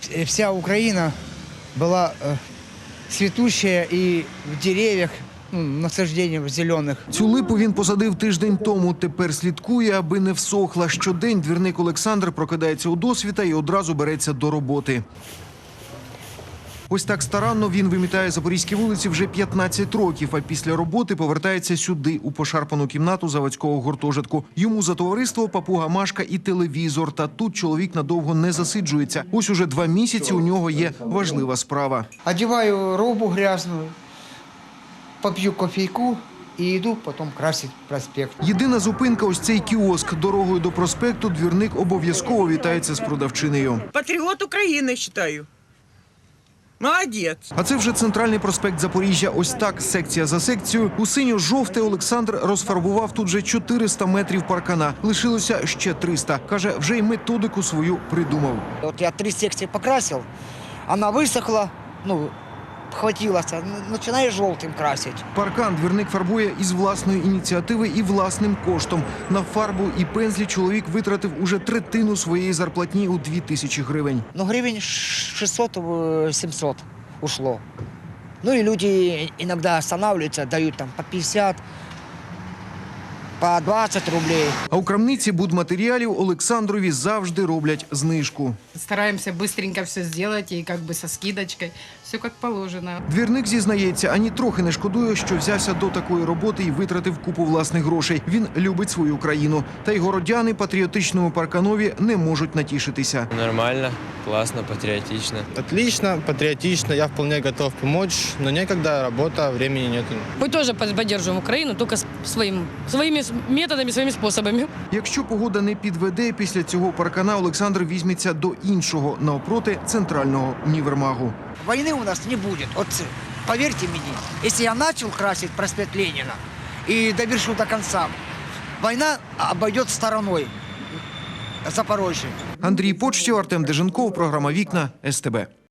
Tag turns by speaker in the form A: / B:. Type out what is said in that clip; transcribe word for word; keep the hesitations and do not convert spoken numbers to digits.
A: вся Украина была э, цветущая и в деревьях, ну, насаждениях зеленых.
B: Цю липу він посадив тиждень тому. Тепер слідкує, аби не всохла. Щодень двірник Олександр прокидається у досвіта і одразу береться до роботи. Ось так старанно він вимітає запорізькі вулиці вже п'ятнадцять років, а після роботи повертається сюди, у пошарпану кімнату заводського гуртожитку. Йому за товариство папуга Машка і телевізор. Та тут чоловік надовго не засиджується. Ось уже два місяці у нього є важлива справа.
A: Одеваю робу грязную, попью кофейку и иду потом красить проспект.
B: Єдина зупинка – ось цей кіоск. Дорогою до проспекту двірник обов'язково вітається з продавчинею.
C: Патріот України, вважаю. Молодець.
B: А це вже центральний проспект Запоріжжя. Ось так, секція за секцією. У синьо-жовте Олександр розфарбував тут вже чотириста метрів паркана. Лишилося ще триста. Каже, вже й методику свою придумав.
A: Вот я три секции покрасил, она высохла, ну, хватилась, начинаю желтым красить.
B: Паркан двірник фарбує із власної ініціативи і власним коштом. На фарбу і пензлі чоловік витратив уже третину своєї зарплатні у дві тисячі гривень.
A: Ну, гривен шестьсот-семьсот ушло. Ну и люди иногда останавливаются, дают там по пятьдесят, по двадцать рублей.
B: А у крамниці будматеріалів Олександрові завжди роблять знижку.
D: Стараемся быстренько все сделать и как бы со скидочкой. Все как положено.
B: Двірник зізнається, ані трохи не шкодує, що взявся до такої роботи і витратив купу власних грошей. Він любить свою країну. Та й городяни патріотичному парканові не можуть натішитися.
E: Нормально, классно, патриотично.
F: Отлично, патриотично, я вполне готов помочь, но некогда, работа, времени нет.
G: Мы тоже поддерживаем Украину, только своим, своими методами, своими способами.
B: Якщо погода не підведе, після цього паркана Олександр візьметься до іншого, навпроти центрального універмагу.
A: Войны у нас не будет. Вот поверьте мне, если я начал красить проспект Ленина и довершу до конца, война обойдет стороной Запорожье.
B: Андрій Почтів, Артем Деженков, програма «Вікна», ес те бе.